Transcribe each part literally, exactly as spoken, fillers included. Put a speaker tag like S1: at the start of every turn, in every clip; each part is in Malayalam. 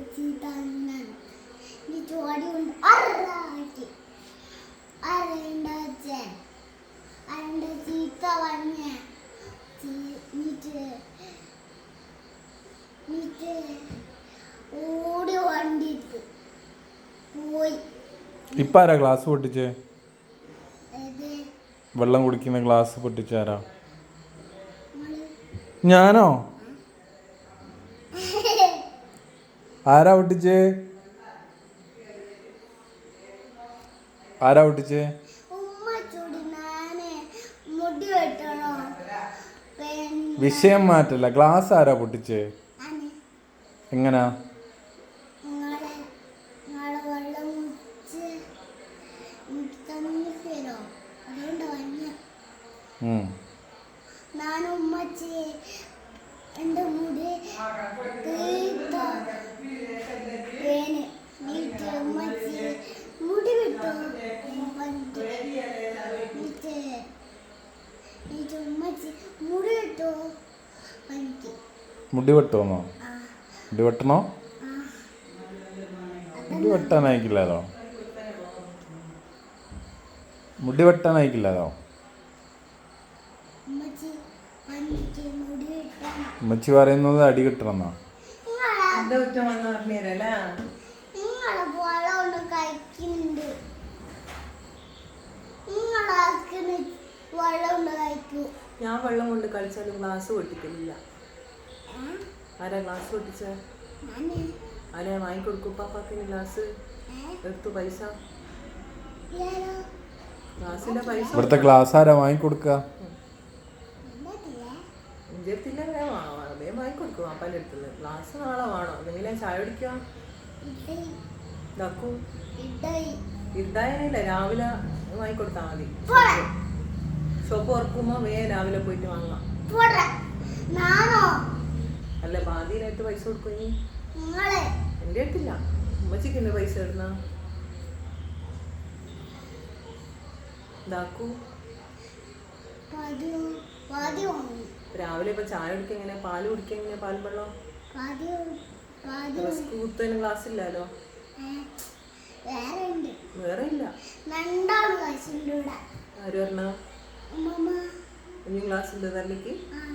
S1: ഇപ്പം ആരാ ഗ്ലാസ് പൊട്ടിച്ചേ? വെള്ളം കുടിക്കുന്ന ഗ്ലാസ് പൊട്ടിച്ചാരാ? ഞാനോ? ആരാ പൊട്ടിച്ചേ? ആരാ പൊട്ടിച്ചേ? വിഷയം മാറ്റല്ല. ഗ്ലാസ് ആരാ പൊട്ടിച്ചേ? എങ്ങനാ? മുടി വെട്ടുമെന്നോ? മുടി വെട്ടണോ? മുടി വെട്ടാനായിക്കില്ലല്ലോ. മുടി വെട്ടാനായിക്കില്ലല്ലോ. ഉമ്മച്ചി പറയുന്നത് അടി കിട്ടണമെന്നാ.
S2: ഞാൻ വെള്ളം കൊണ്ട് കളിച്ചാലും ഗ്ലാസ് പൊട്ടിക്കില്ല. ആരാ ഗ്ലാസ് പൊട്ടിച്ച? ആരാ വാങ്ങിക്കൊടുക്കും പാപ്പാക്കിന് ഗ്ലാസ്? എടുത്തു പൈസ, ഗ്ലാസിന്റെ പൈസ.
S1: ഇവിടുത്തെ ഗ്ലാസ് ആരാ വാങ്ങിക്കൊടുക്കുക?
S2: എൻ്റെ അടുത്തില്ല, വേഗം വാങ്ങിക്കൊടുക്കും പാപ്പാൻ്റെ അടുത്തുള്ള ഗ്ലാസ്. നാളെ വേണോ? എന്തെങ്കിലും ചായ കുടിക്കുക? ഇതാക്കൂ ഇതായനില്ല, രാവിലെ വാങ്ങിക്കൊടുത്താൽ മതി. ഷോപ്പ് തുറക്കുമ്പോ വേഗം രാവിലെ പോയിട്ട് വാങ്ങാം. അല്ല ബാധ്യനായിട്ട് പൈസ കൊടുക്കും. ഇനി എൻ്റെ അടുത്തില്ല, ഉമ്മച്ചിക്ക് എന്റെ പൈസ ഇടുന്ന ഇതാക്കൂ. രാവിലെ ഇപ്പൊ ചായ കുടിക്കുക എങ്ങനെ? പാല് കുടിക്കുക എങ്ങനെ? പാലും വെള്ളം കൂത്തതിന് ഗ്ലാസ് ഇല്ലല്ലോ. വേറെ ഇല്ല. ആര് പറഞ്ഞ ഇനി ഗ്ലാസ് ഉണ്ട് തരലേക്ക്?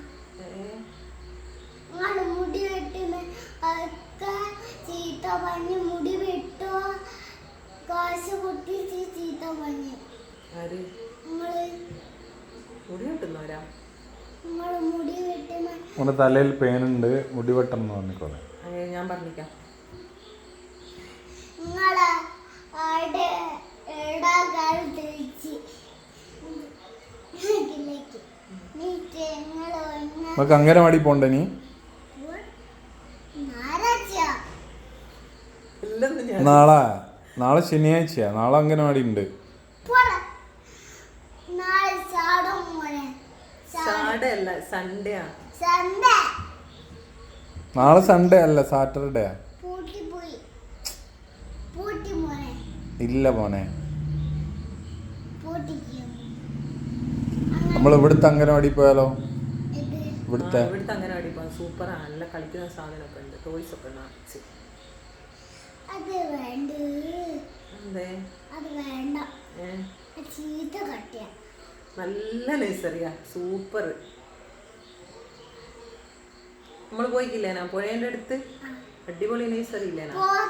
S3: മുടി വെട്ടുന്ന ചീത്ത പറഞ്ഞ് മുടി വെട്ടോ കാശ് പൊട്ടിച്ച് ചീത്ത പറഞ്ഞ്.
S2: ആര് മുടി വെട്ടുന്നവരാ?
S3: മുടി വെട്ടുന്ന
S1: തലയിൽ പേനുണ്ട്, മുടി വെട്ടണം പറഞ്ഞിക്കോളെ.
S2: ഞാൻ പറഞ്ഞിക്കാം.
S3: നിങ്ങളെ
S1: നമുക്ക് അംഗനവാടി പോണ്ടേ? നീ നാളെ നാളെ ശനിയാഴ്ചയാ. നാളെ അംഗനവാടി ഉണ്ട്. നാളെ സൺഡേ അല്ല, സാറ്റർഡേ. ഇല്ല മോനെ, നമ്മൾ ഇവിടുത്തെ അംഗനവാടി പോയാലോ? ഇവിടുത്തെ
S2: ഇവിടുത്തെ അംഗനവാടി പോകാൻ സൂപ്പറാണ്. നല്ല കളിക്കുന്ന സാധനമൊക്കെ ഉണ്ട്, ടോയ്സ് ഒക്കെ ഉണ്ട്. നല്ല നഴ്സറിയാ, സൂപ്പർ. നമ്മള് പോയിക്കില്ലേ ഞാൻ പുഴേന്റെ അടുത്ത്? അടിപൊളി നഴ്സറി ഇല്ലേ?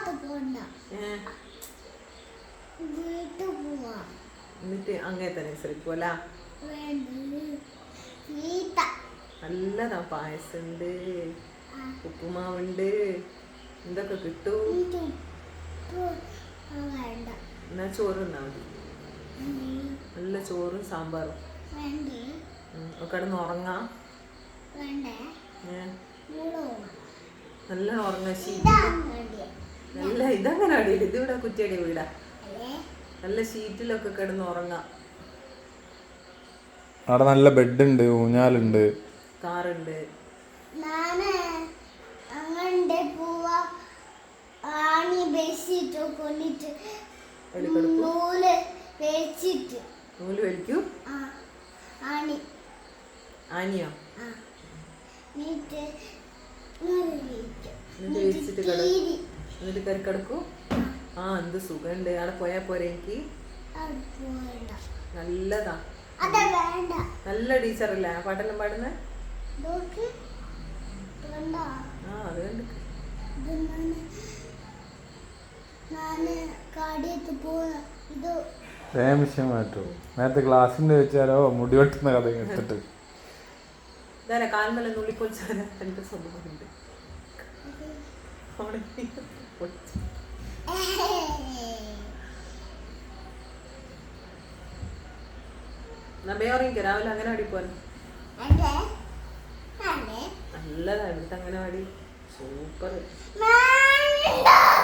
S2: എന്നിട്ട് അങ്ങനത്തെ നഴ്സറി പോലാ? നല്ലതാ, പായസുണ്ട്, ഉപ്പുമാവുണ്ട്, എന്തൊക്കെ കിട്ടും. എന്നാ ചോറ് തിന്നാ മതി. നല്ല ചോറും സാമ്പാറും. കിടന്ന് ഉറങ്ങാം. നല്ല ഉറങ്ങ. നല്ല ഇതങ്ങനെ അടിയില്ല, ഇതിവിടെ കുറ്റിയടി വീടാ. നല്ല ഷീറ്റിലൊക്കെ കിടന്ന് ഉറങ്ങാം.
S1: അവിടെ നല്ല ബെഡ് ഉണ്ട്, ഊഞ്ഞാലുണ്ട്,
S2: കാറുണ്ട്. നൂല് വലിക്കൂ? ആനിയോ? എന്നിട്ട് വിരിച്ചിട്ട് കിടക്കും. എന്നിട്ട് കയറി കിടക്കൂ. ആ എന്ത് സുഖമുണ്ട്. അവിടെ പോയാൽ പോരെ എനിക്ക്.
S3: അവിടെ പോകണ്ട.
S2: നല്ലതാ.
S3: അതെ വേണ്ട.
S2: നല്ല ടീച്ചറല്ലേ ആ പാട്ടെല്ലാം പാടുന്നത്.
S3: നോക്ക് വേണ്ട.
S2: ആ അത് കണ്ട്
S3: ഇത് ഞാന് ഞാന് കാടിയത്ത് പോയ ഇത്
S1: വേഗം വിഷയം മാറ്റൂ. നേരത്തെ ക്ലാസ്സിൻ്റെ വെച്ചാലോ മുടി വെട്ടുന്ന കഥ എടുത്തിട്ട്
S2: ഇതാരാ കാൽമല നുള്ളിപ്പൊളിച്ചാല എൻ്റെ സ്വന്തമുണ്ട്. നമ്മയോറിക്ക് രാവിലെ അങ്ങനെ അടി പോലെ
S3: അതെ അതെ
S2: നല്ലതാണ് ഇവിടുത്തെ അങ്ങനെ അടി സൂപ്പർ.
S3: വേണ്ട.